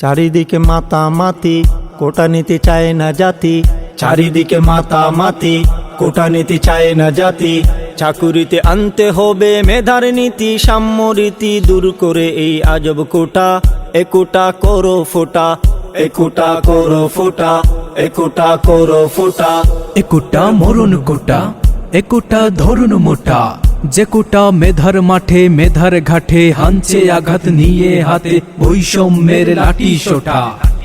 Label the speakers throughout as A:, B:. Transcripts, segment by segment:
A: চারিদিকে মাতামাতি, কোটা নিতে চায় না জাতি। চারিদিকে মাতামাতি, কোটা নিতে চায় না জাতি। চাকুরিতে আনতে হবে মেধার নীতি, সাম্যরীতি দূর করে এই আজব কোটা। এ কোটা করো ফোটা, এ কোটা করো ফোটা, এ কোটা করো ফোটা।
B: এ কোটা মরণ কোটা, এ কোটা ধরুন মোটা। যে কোটা মেধার মাঠে মেধার ঘাটে, হানছে আঘাত নিয়ে হাতে বৈষম্যের লাঠি সোটা।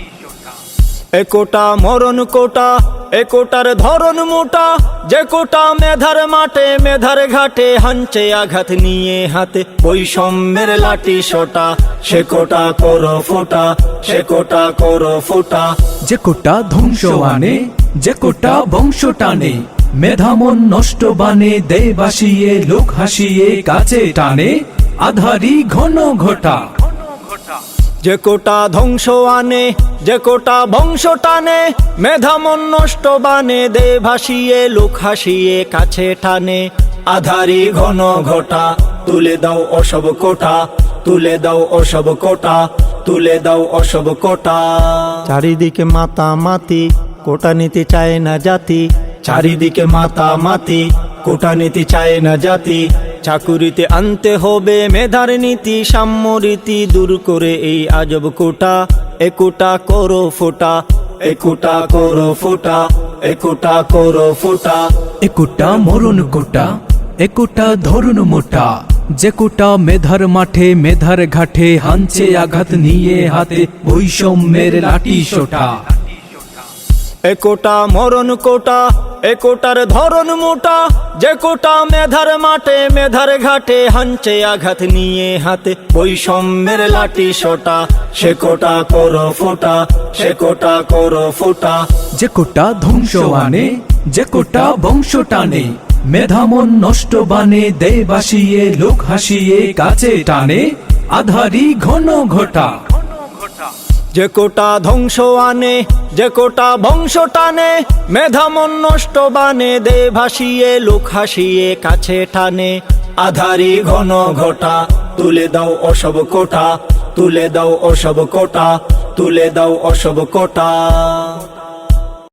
A: এ কোটা মরণ কোটা, এ কোটার ধরন মোটা। যে কোটা মেধার মাঠে মেধার ঘাটে, হানছে আঘাত নিয়ে হাতে বৈষম্যের লাঠি সোটা। সে কোটা করো ফোটা, সে কোটা করো ফোটা।
B: যে কোটা ধ্বংস আনে, যে কোটা বংশ টানে, মেধামন নষ্ট বানে দেয় বাসিয়ে, লোক হাসিয়ে কাছে টানে আধারি ঘন ঘটা।
A: যে কোটা ধ্বংস আনে, যে কোটা বংশ টানে, মেধামন নষ্ট বানে দে ভাসিয়ে, লোক হাসিয়ে কাছে টানে আধারি ঘন ঘটা। তুলে দাও অসব কোটা, তুলে দাও অসব কোটা, তুলে দাও অসব কোটা। চারিদিকে মাতামাতি, কোটা নিতে চায় না জাতি। চারিদিকে মাতামাতি, কোটা নিতে চায় না জাতি। চাকুরিতে আনতে হবে মেধার নীতি, সাম্যরীতি দূর করে এই আজব কোটা। এ কোটা করো ফোটা, এ কোটা করো ফোটা, এ কোটা করো ফোটা।
B: এ কোটা মরণ কোটা, এ কোটা ধরুন মোটা। যে কোটা মেধার মাঠে মেধার ঘাটে, হানছে আঘাত নিয়ে হাতে বৈষম্যের লাঠি সোটা।
A: এ কোটা মরণ কোটা, এ কোটার ধরন মোটা। যে কোটা মেধার মাঠে মেধার ঘাটে, হানছে আঘাত নিয়ে হাতে বৈষম্যের লাঠি সোটা। সে কোটা করো ফোটা, সে কোটা করো ফোটা।
B: যে কোটা ধ্বংস আনে, যে কোটা বংশ টানে, মেধামন নষ্ট বানে দেয় বাসিয়ে, লোক হাসিয়ে কাছে টানে আধারি ঘন ঘটা।
A: যে কোটা ধ্বংস আনে, যে কোটা বংশ টানে, মেধামন নষ্ট বানে দে ভাসিয়ে, লোক হাসিয়ে কাছে টানে আধারি ঘন ঘটা। তুলে দাও অসব কোটা, তুলে দাও অসব কোটা, তুলে দাও অসব কোটা।